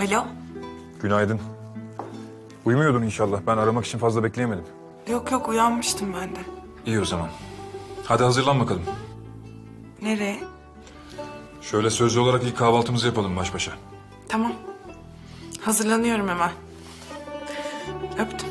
Alo? Günaydın. Uyumuyordun inşallah. Ben aramak için fazla bekleyemedim. Yok yok, uyanmıştım ben de. İyi o zaman. Hadi hazırlan bakalım. Nereye? Şöyle sözlü olarak ilk kahvaltımızı yapalım baş başa. Tamam. Hazırlanıyorum hemen. Öptüm.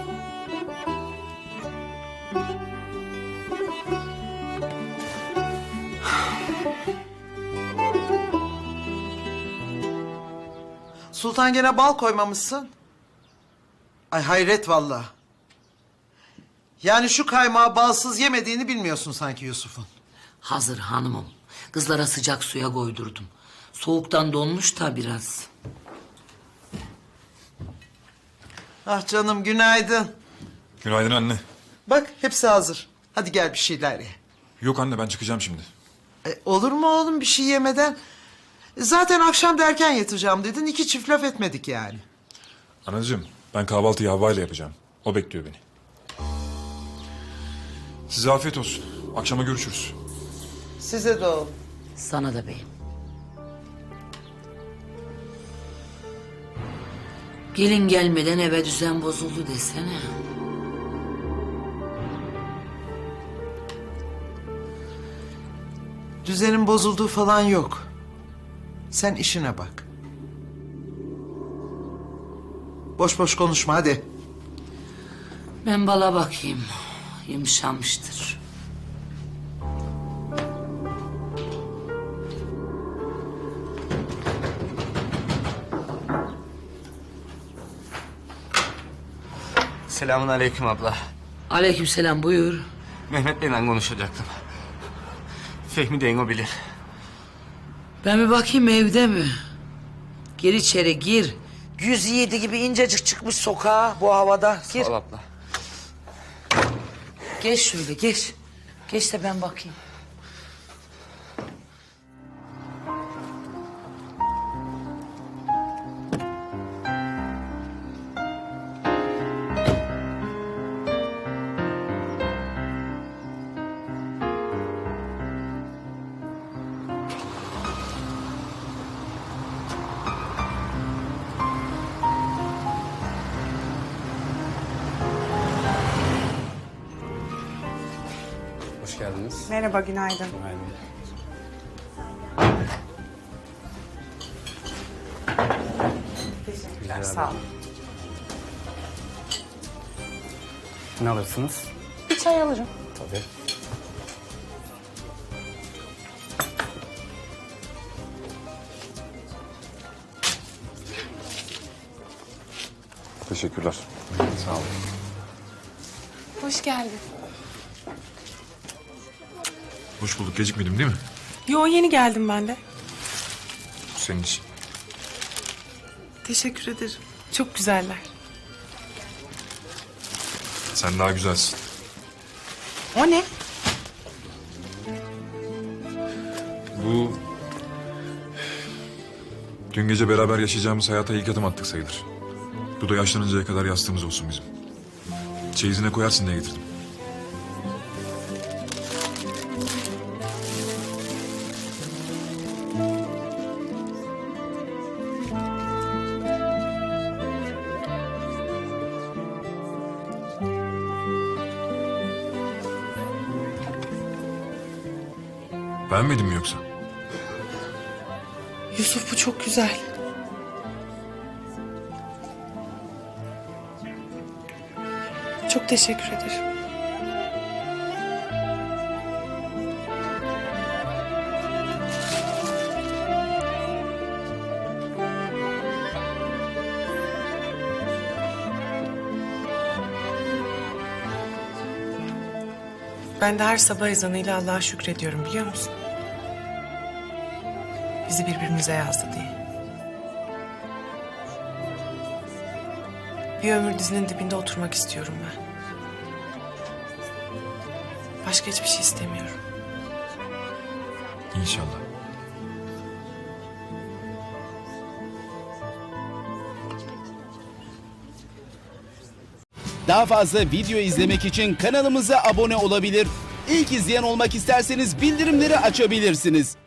Sultan gene bal koymamışsın. Ay hayret vallahi. Yani şu kaymağı balsız yemediğini bilmiyorsun sanki Yusuf'un. Hazır hanımım. Kızlara sıcak suya koydurdum. Soğuktan donmuş da biraz. Ah canım günaydın. Günaydın anne. Bak hepsi hazır. Hadi gel bir şeyler ye. Yok anne, ben çıkacağım şimdi. Olur mu oğlum bir şey yemeden? Zaten akşam da erken yatacağım dedin. 2 çift laf etmedik yani. Anacığım, ben kahvaltıyı Havva ile yapacağım. O bekliyor beni. Size afiyet olsun. Akşama görüşürüz. Size de oğlum. Sana da beyim. Gelin gelmeden eve düzen bozuldu desene. Düzenin bozulduğu falan yok. Sen işine bak. Boş boş konuşma hadi. Ben bala bakayım. Yumuşamıştır. Selamun aleyküm abla. Aleykümselam, buyur. Mehmet Bey'le konuşacaktım. Fehmi deyin o bilir. Ben bir bakayım evde mi? Gir içeri gir. 107 gibi incecik çıkmış sokağa bu havada. Gir. Sağ ol abla. Geç şöyle geç. Geç de ben bakayım. Hoş geldiniz. Merhaba, günaydın. Teşekkürler, sağ olun. Ne alırsınız? Bir çay alırım. Tabii. Teşekkürler. Sağ olun. Hoş geldin. Hoş bulduk. Gecikmedim değil mi? Yo, yeni geldim ben de. Bu senin için. Teşekkür ederim. Çok güzeller. Sen daha güzelsin. O ne? Bu... Dün gece beraber yaşayacağımız hayata ilk adım attık sayılır. Bu da yaşlanıncaya kadar yastığımız olsun bizim. Çeyizine koyarsın diye getirdim. Beğenmedin mi yoksa? Yusuf, bu çok güzel. Çok teşekkür ederim. Ben de her sabah ezanıyla Allah'a şükrediyorum, biliyor musun? Bizi birbirimize yazdı diye. Bir ömür dizinin dibinde oturmak istiyorum ben. Başka hiçbir şey istemiyorum. İnşallah. Daha fazla video izlemek için kanalımıza abone olabilir. İlk izleyen olmak isterseniz bildirimleri açabilirsiniz.